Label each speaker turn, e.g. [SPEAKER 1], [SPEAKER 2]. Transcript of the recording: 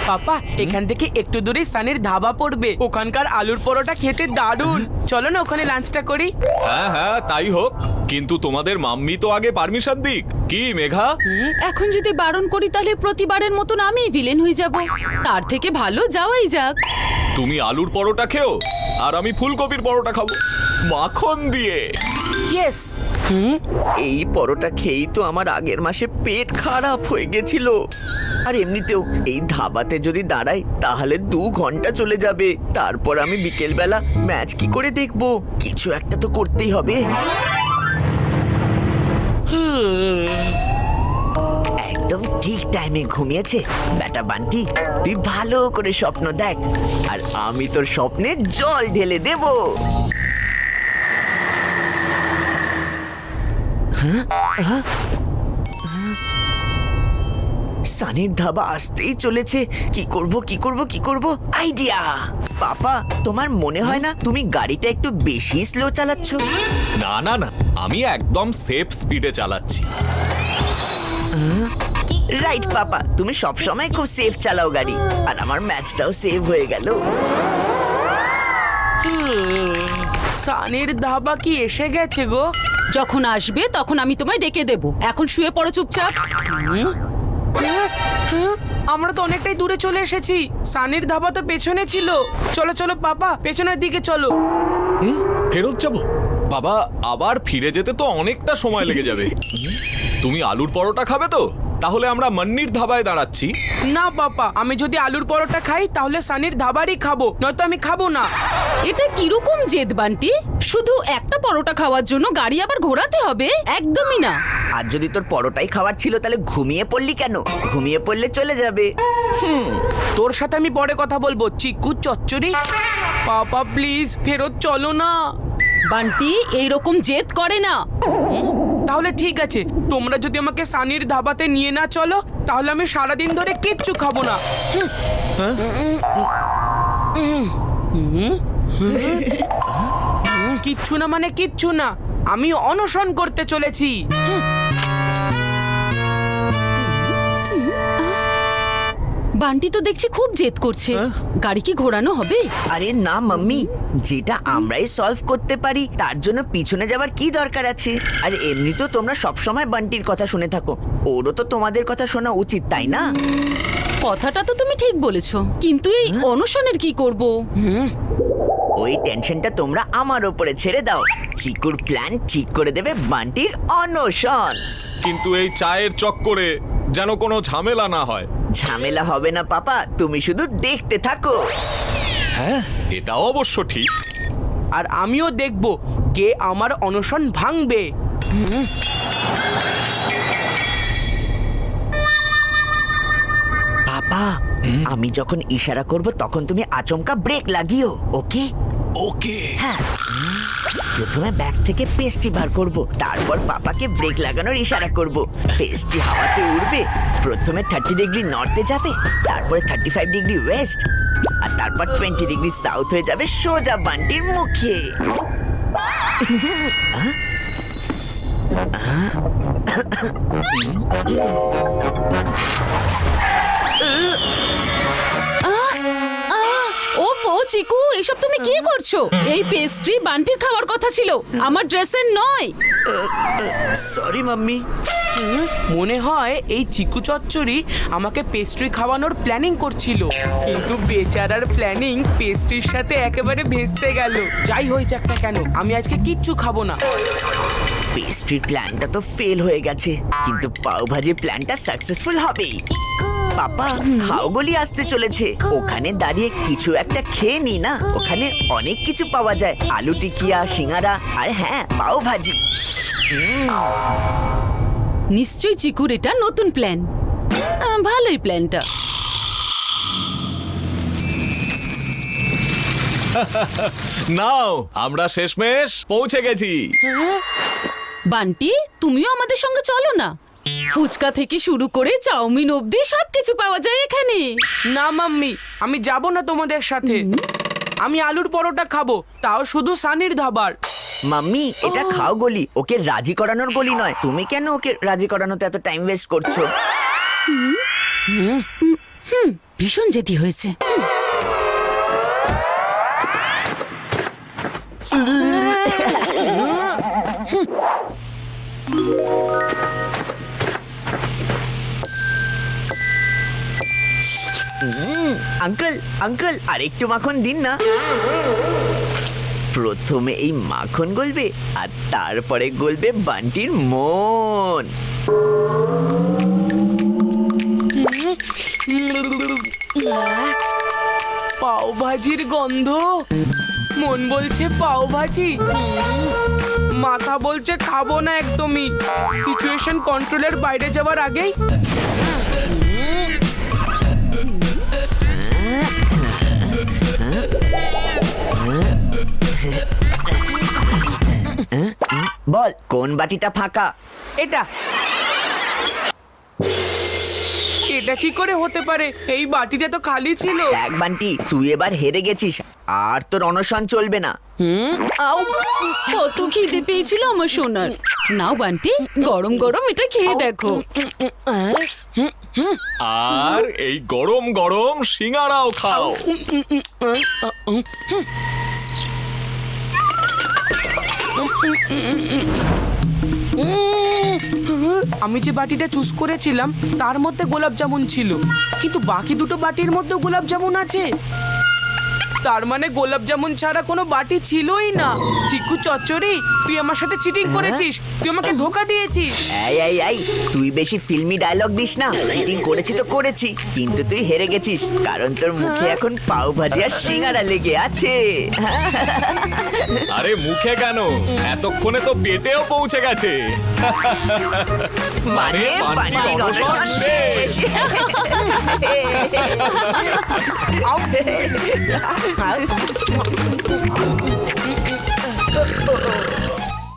[SPEAKER 1] পাপা এখান থেকে একটু দূরে সানির ধাবা পড়বে, ওখানকার আলুর পরোটা খেতে দারুণ। চলো না ওখানে লাঞ্চটা করি।
[SPEAKER 2] হ্যাঁ হ্যাঁ তাই হোক, কিন্তু তোমাদের মাম্মি তো আগে পারমিশন দিক। কি মেঘা?
[SPEAKER 3] এখন যদি বারণ করি তাহলে প্রতিবারের মতন আমি ভিলেন হয়ে যাব। তার থেকে ভালো যাওয়াই যাক।
[SPEAKER 2] তুমি আলুর পরোটা খেও আর আমি ফুলকপির পরোটা খাবো মাখন দিয়ে।
[SPEAKER 1] ইয়েস।
[SPEAKER 4] এই পরোটা খেয়েই তো আমার আগের মাসে পেট খারাপ হয়ে গেছিল। আর এমনিতেও এই ধাবাতে যদি দাঁড়াই তাহলে 2 ঘন্টা চলে যাবে। তারপর আমি বিকেলবেলা ম্যাচ কি করে দেখবো? কিছু একটা তো করতেই হবে। একদম ঠিক টাইমে ঘুমিয়েছে বেটা বান্টি। তুই ভালো করে স্বপ্ন দেখ আর আমি তোর স্বপ্নে জল ঢেলে দেব। সানির ধাবা আসতেই চলেছে। কি করব কি করব কি করব? আইডিয়া! পাপা, তোমার মনে হয় না তুমি গাড়িটা একটু বেশি স্লো চালাচ্ছ?
[SPEAKER 2] না না না, আমি একদম সেফ স্পিডে চালাচ্ছি।
[SPEAKER 4] রাইট পাপা, তুমি সব সময় খুব সেফ চালাও গাড়ি। আর আমার ম্যাচটাও সেভ হয়ে গেল।
[SPEAKER 1] সানির ধাবা কি এসে গেছে গো?
[SPEAKER 3] যখন আসবে তখন আমি তোমায় ডেকে দেব। এখন শুয়ে পড়ো চুপচাপ।
[SPEAKER 1] আমরা তো অনেকটাই দূরে চলে এসেছি। সানির ধাবা তো পেছনে ছিল। চলো চলো পাপা, পেছনের দিকে চলো।
[SPEAKER 2] ফেরত যাব? বাবা, আবার ফিরে যেতে তো অনেকটা সময় লেগে যাবে। তুমি আলুর পরোটা খাবে তো? তাহলে আমরা মান্নির ধাবায় দাঁড়াচ্ছি।
[SPEAKER 1] না পাপা, আমি যদি আলুর পরোটা খাই তাহলে সানির ধাবারই খাবো, নয়তো আমি খাবো না।
[SPEAKER 3] এটা কিরকম জেদ বান্টি? শুধু একটা পরোটা খাওয়ার জন্য গাড়ি আবার ঘোরাতে হবে? একদমই না।
[SPEAKER 4] আর যদি তোর পরোটাই খাওয়ার ছিল তাহলে ঘুমিয়ে পড়লি কেন? ঘুমিয়ে পড়লে চলে যাবে।
[SPEAKER 1] তোর সাথে আমি পরে কথা বলবো, চিকু চচ্চড়ি। পাপা প্লিজ ফেরত চলো না।
[SPEAKER 3] বান্টি এইরকম জেদ করে না।
[SPEAKER 1] তাহলে ঠিক আছে, তোমরা যদি আমাকে সানির ধাবাতে নিয়ে না চলো তাহলে আমি সারাদিন ধরে কিচ্ছু খাবো না। কিচ্ছু না মানে কিচ্ছু না, আমি অনশন করতে চলেছি।
[SPEAKER 3] বান্টি তো দেখছি খুব জেদ করছে। গাড়ি কি ঘোরানো হবে?
[SPEAKER 4] আরে না মাম্মি, যেটা আমরাই সলভ করতে পারি তার জন্য পিছনে যাবার কি দরকার আছে? আর এমনিতেও তোমরা সবসময় বান্টির কথা শুনে থাকো, ওরও তো তোমাদের কথা শোনা উচিত, তাই না?
[SPEAKER 3] কথাটা তো তুমি ঠিক বলেছো, কিন্তু এই অনশনের কি করব?
[SPEAKER 4] ওই টেনশনটা তোমরা আমার ওপরে ছেড়ে দাও। চিকুর প্ল্যান ঠিক করে দেবে বান্টির অনশন।
[SPEAKER 2] কিন্তু এই চায়ের চক্করে যেন কোনো ঝামেলা না হয়।
[SPEAKER 4] ঝামেলা হবে না পাপা, তুমি শুধু দেখতে থাকো।
[SPEAKER 2] হ্যাঁ, এটা অবশ্য ঠিক।
[SPEAKER 1] আর আমিও দেখব কে আমার অনশন ভাঙবে।
[SPEAKER 4] পাপা, আমি যখন ইশারা করব তখন তুমি আচমকা ব্রেক লাগিও, ওকে?
[SPEAKER 2] ওকে।
[SPEAKER 4] হ্যাঁ, প্রথমে ব্যাগ থেকে পেস্ট্রি বার করব, তারপর পাপাকে ব্রেক লাগানোর ইশারা করব। পেস্ট্রি হাওয়াতে উড়বে, প্রথমে 30 ডিগ্রি নর্থে যাবে, তারপরে 35 ডিগ্রি ওয়েস্ট, আর তারপর 20 ডিগ্রি সাউথ হয়ে যাবে সোজা বান্টির মুখে।
[SPEAKER 3] ওফো চিকু, এসব তুমি কি করছো? এই পেস্ট্রি বান্টির খাওয়ার কথা ছিল, আমার ড্রেসের নয়।
[SPEAKER 4] Sorry mummy.
[SPEAKER 1] মনে হয় এই চিকু চচ্চড়ি আমাকে পেস্ট্রি খাওয়ানোর প্ল্যানিং করছিল, কিন্তু বেচারার প্ল্যানিং পেস্ট্রির সাথে একেবারে ভেস্তে গেল। যাই হয়েছে একটা কেন, আমি আজকে কিচ্ছু খাবো না।
[SPEAKER 4] পেস্ট্রির প্ল্যানটা তো ফেল হয়ে গেছে, কিন্তু পাও ভাজি প্ল্যানটা সাকসেসফুল হবেই। পাপা, খাওগলি আসতে চলেছে, ওখানে দাঁড়িয়ে কিছু একটা খেয়ে নি না। ওখানে অনেক কিছু পাওয়া যায়, আলু টিকিয়া, সিঙ্গারা, আর হ্যাঁ, পাও ভাজি।
[SPEAKER 3] নিশ্চয়ই চিকুর এটা নতুন প্ল্যান। ভালোই প্ল্যানটা।
[SPEAKER 2] নাও, আমরা শেষমেশ পৌঁছে গেছি।
[SPEAKER 3] বান্টি, তুমিও আমাদের সঙ্গে চলো না। ফুচকা থেকে শুরু করে চাউমিন অবধি সবকিছু পাওয়া যায় এখানে।
[SPEAKER 1] না মাম্মি, আমি যাব না তোমাদের সাথে। আমি আলুর পরোটা খাবো, তাও শুধু সানির ধাবার।
[SPEAKER 4] মাম্মি, এটা খাও গলি, ওকে রাজি করানোর গলি নয়। তুমি কেন ওকে রাজি করানোতে এত টাইম ওয়েস্ট করছো?
[SPEAKER 3] ভীষণ জেদি হয়েছে।
[SPEAKER 4] আঙ্কেল আঙ্কেল আর একটু মাখন দিন না। প্রথমে এই মাখন গলবে আর তারপরে গলবে বান্টির মন।
[SPEAKER 1] পাও ভাজির গন্ধ, মন বলছে পাও ভাজি, মাথা বলছে খাবো না একদমই। সিচুয়েশন কন্ট্রোলের বাইরে যাওয়ার আগেই
[SPEAKER 4] বল কোন বাটিটা ফাঁকা?
[SPEAKER 1] এটা এটা কি করে হতে পারে? এই বাটিটা তো খালি ছিল।
[SPEAKER 4] এক বান্টি, তুই এবার হেরে গেছিস, আর তোর অনশন চলবে না।
[SPEAKER 1] আউ,
[SPEAKER 3] কত খিদে পেয়েছিল আমার সোনার। নাও বান্টি, গরম গরম এটা খেয়ে দেখো।
[SPEAKER 2] আর এই গরম গরম সিঙ্গারাও খাও।
[SPEAKER 1] আমি যে বাটিটা চুজ করেছিলাম তার মধ্যে গোলাপ জামুন ছিল, কিন্তু বাকি দুটো বাটির মধ্যেও গোলাপ জামুন আছে। তার মানে গোলাপ জামুন ছাড়া কোনো বাটি ছিলই না। চিকু চচ্চড়ি, তুই আমার সাথে চিটিং করেছিস, তুই আমাকে ধোকা দিয়েছিস।
[SPEAKER 4] এই এই এই, তুই বেশি ফিল্মি ডায়লগ দিস না। চিটিং করেছি তো করেছি, কিন্তু তুই হেরে গেছিস, কারণ তোর মুখে এখন পাও ভাজি আর সিঙ্গারা লেগে আছে।
[SPEAKER 2] আরে মুখে কেন, এতক্ষণে তো পেটেও পৌঁছে গেছে।
[SPEAKER 4] মানে
[SPEAKER 2] বান্টির
[SPEAKER 4] বান্টির
[SPEAKER 2] অনশন
[SPEAKER 4] অনশন
[SPEAKER 2] শেষ।
[SPEAKER 4] শেষ।